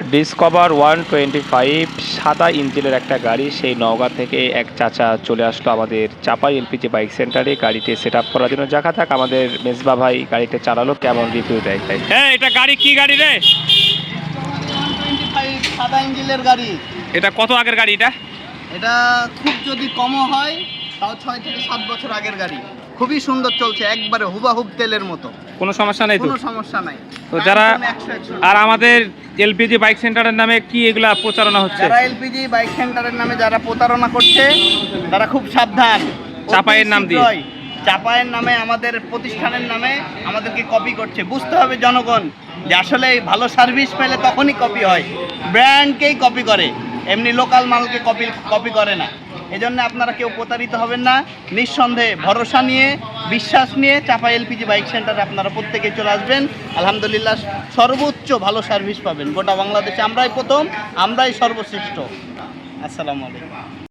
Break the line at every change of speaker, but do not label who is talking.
Discover 125 সাদা ইঞ্জিনের একটা গাড়ি, সেই নওগাঁ থেকে এক চাচা চলে আসলো আমাদের চাপাই এলপিজি বাইক সেন্টারে গাড়িটি সেট আপ করার জন্য। দেখা থাক আমাদের মেজবা ভাই গাড়িটা চালালো, কেমন রিভিউ দেয়। হ্যাঁ, এটা গাড়ি কি গাড়ি রে?
সাদা ইঞ্জিনের গাড়ি।
এটা কত আগের গাড়ি?
এটা খুব যদি কমও হয় তাও 6 থেকে 7 বছর আগের গাড়ি। খুবই সুন্দর চলছে, একবারে হুবাহুব তেলের মতো।
কোনো সমস্যা নাই তো?
কোনো সমস্যা নাই।
তো যারা আর আমাদের এলপিজি বাইক সেন্টারের নামে কি এগুলা প্রচারণা হচ্ছে?
যারা এলপিজি বাইক সেন্টারের নামে যারা প্রতারণা করছে তারা খুব সাবধান।
চাপাইয়ের নাম দিয়ে,
চাপাইয়ের নামে আমাদের প্রতিষ্ঠানের নামে আমাদেরকে কপি করছে। বুঝতে হবে জনগণ যে আসলে ভালো সার্ভিস পেলে তখনই কপি হয়, ব্র্যান্ডকেই কপি করে, এমনি লোকাল মালকে কপি করে না। এজন্য আপনারা কেউ প্রতারিত হবেন না, নিঃসন্দেহে ভরসা নিয়ে বিশ্বাস নিয়ে চাপাই এলপিজি বাইক সেন্টারে আপনারা প্রত্যেকে চলে আসবেন। আলহামদুলিল্লাহ সর্বোচ্চ ভালো সার্ভিস পাবেন। গোটা বাংলাদেশে আমরাই প্রথম, আমরাই সর্বশ্রেষ্ঠ। আসসালামু আলাইকুম।